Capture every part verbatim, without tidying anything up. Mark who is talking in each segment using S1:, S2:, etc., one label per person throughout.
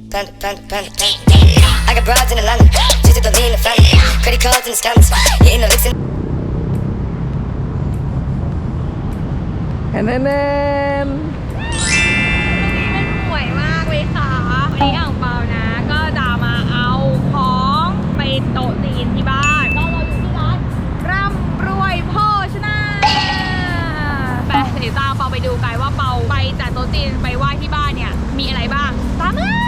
S1: Panda, panda, panda, panda. I got broads in Atlanta, just to lean the family. Credit cards and the scams, hitting the licks in.
S2: แอนแอนแอน
S3: มันสวยมากเลยค่ะวันนี้อ่างเปานะ ก็จะมาเอาของไปโต๊ะจีนที่บ้านก็เราอยู่ที่ร้านร่ำรวยโภชนาไปเดี๋ยวตามเปาไปดูกันว่าเปาไปจากโต๊ะจีนไปไหว้ที่บ้านเนี่ยมีอะไรบ้างตามมา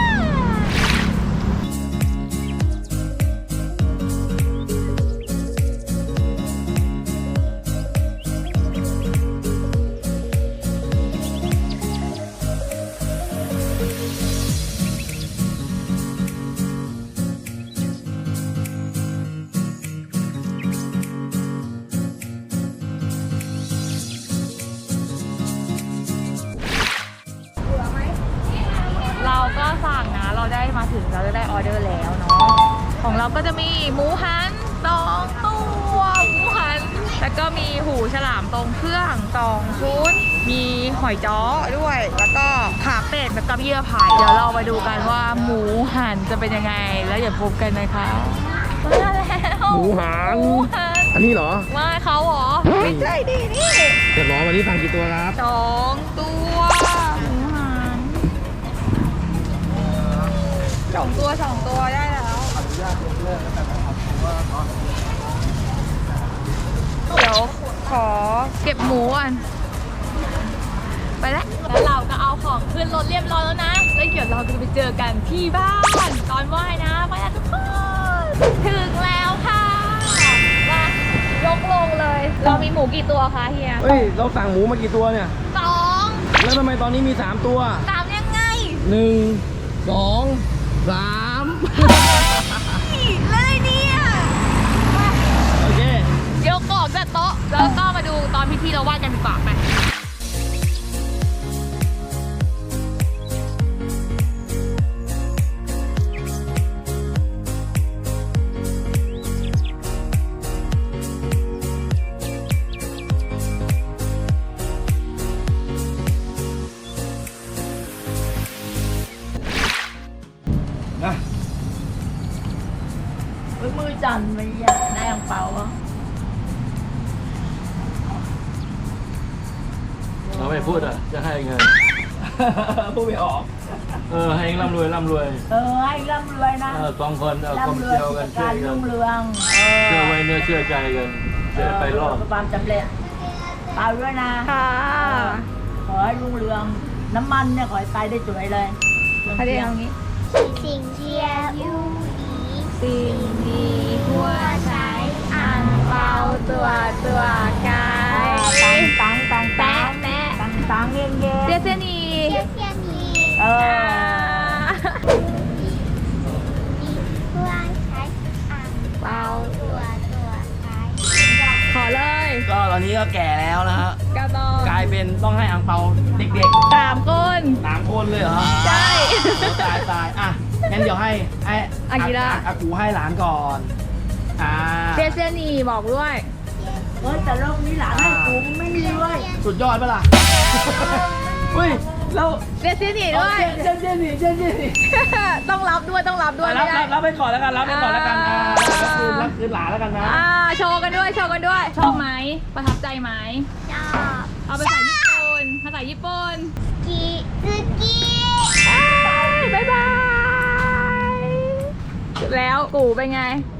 S3: เราก็สั่งนะเราได้มาถึงเราจะได้ออเดอร์แล้วเนาะของเราก็จะมีหมูหันสองตัวหมูหันแล้วก็มีหูฉลามตรงเครื่องสองชุดมีหอยจ้อด้วยแล้วก็ขาเป็ดแบบกับเยื่อไผ่เดี๋ยวเราไปดูกันว่าหมูหันจะเป็นยังไงแล้วอย่าพบกันนะคะมาแล้ว
S2: หมูหัน
S3: หมูหัน
S2: อันนี้เหรอ
S3: มาเขาเหรอไม่ใช่ดินี่
S2: เรียบร้อยวันนี้สั่งกี่ตัวครับ
S3: สองตัวหมูหันสองตัวสองตัวได้แล้วเดี๋ยวขอเก็บหมูก่อนไปแล้วแล้วเราก็เอาของขึ้นรถเรียบร้อยแล้วนะแล้วเดี๋ยวเราจะไปเจอกันที่บ้านตอนไหว้นะไปแล้วทุกคนถึงแล้วค่ะมายกลงเลย เรามีหมูกี่ตัวคะเฮีย
S2: เฮ้ยเราสั่งหมูมากี่ตัวเนี่ย
S3: สอง
S2: แล้วทำไมตอนนี้มีสามตัว
S3: สามยังไง
S2: หนึ่งสองสาม
S3: เลยเนี่ย
S2: โอเค
S3: เดี๋ยวกรอบจากโต๊ะแล้วก็มาดูตอนพิธีเราไหว้กันดีกว่าไป
S2: นะ
S4: มือจันไม่อยากได้อ่างเปาอ่ะ
S5: เราไม่พูดอ่ะ จะให้เงิน
S2: พูดไม่ออก
S5: เออ ให้เองร่ำรวยร่ำรวย
S4: เออให้ร่ำรวยนะ
S5: เออสองคนเอาความ
S4: ร่ำรวย
S5: เชี่ยว
S4: กิ
S5: กั
S4: จ
S5: นช่
S4: กา
S5: วย
S4: ร
S5: กั
S4: รุ่
S5: น
S4: งเรือง
S5: เชื่อไว้เนื้อเชื่อใจกันจะได้ไปรอด
S4: ประสบความสำเร็จเปล่าด้วยนะ
S3: ค่ะ
S4: ขอให้รุ่งเรืองน้ำมันเนี่ยขอให้ไปได้สวยเลย
S3: เขาเรียกอย่างนี้
S6: สิ่งเทียบยูอี
S3: สิ่งดีหัวใช้อ่างเปาตัวตัวกาย
S4: ตังตังตังตัง
S3: แม่
S4: ตังตังเงี้ยเงี้ย
S3: เจเจนี
S6: เทียบเทียนี
S4: เออ
S6: เพื่อใช้อ่างเปาตัวตัวใช้
S3: ขอเลย
S2: ก็ตอนนี้ก็แก่แล้วนะฮะ
S3: กระตอง
S2: กลายเป็นต้องให้อังเปาเด็ก
S3: สามคน
S2: ๆสามคนเลยเหรอ
S3: ใช่
S2: โอ้ตายตายอ่ะ งั้นเดี๋ยวให้ให้
S3: อากิระ
S2: อากูให้หลานก่อน อ่า
S3: เจเจนีบอกด้วย
S4: เออแต่โลกนี้หลานให้กูไม่มีเว้ย
S2: สุดยอดปะล่ะ เฮ้ย เรา
S3: เจเจนีด้วย
S2: เจนเจนนี่เจนเจนนี่
S3: ต้องรับด้วยต้องรับด้วย
S2: รับ
S3: ไม่ได้
S2: รับรับไปก่อนแล้วกัน รับไปก่อนแล้วกัน อ่า
S3: อ่า
S2: รับคืนรับคืนหลานแล้วกันนะ
S3: อ่าโชว์กันด้วยโชว์กันด้วย ชอบไหมประทับใจไหม
S6: ชอบ
S3: เอาภาษาญี่ปุ่นภาษาญี่ปุ่น
S6: กีซึกิ
S3: บ๊ายบายแล้วกูเป็นไง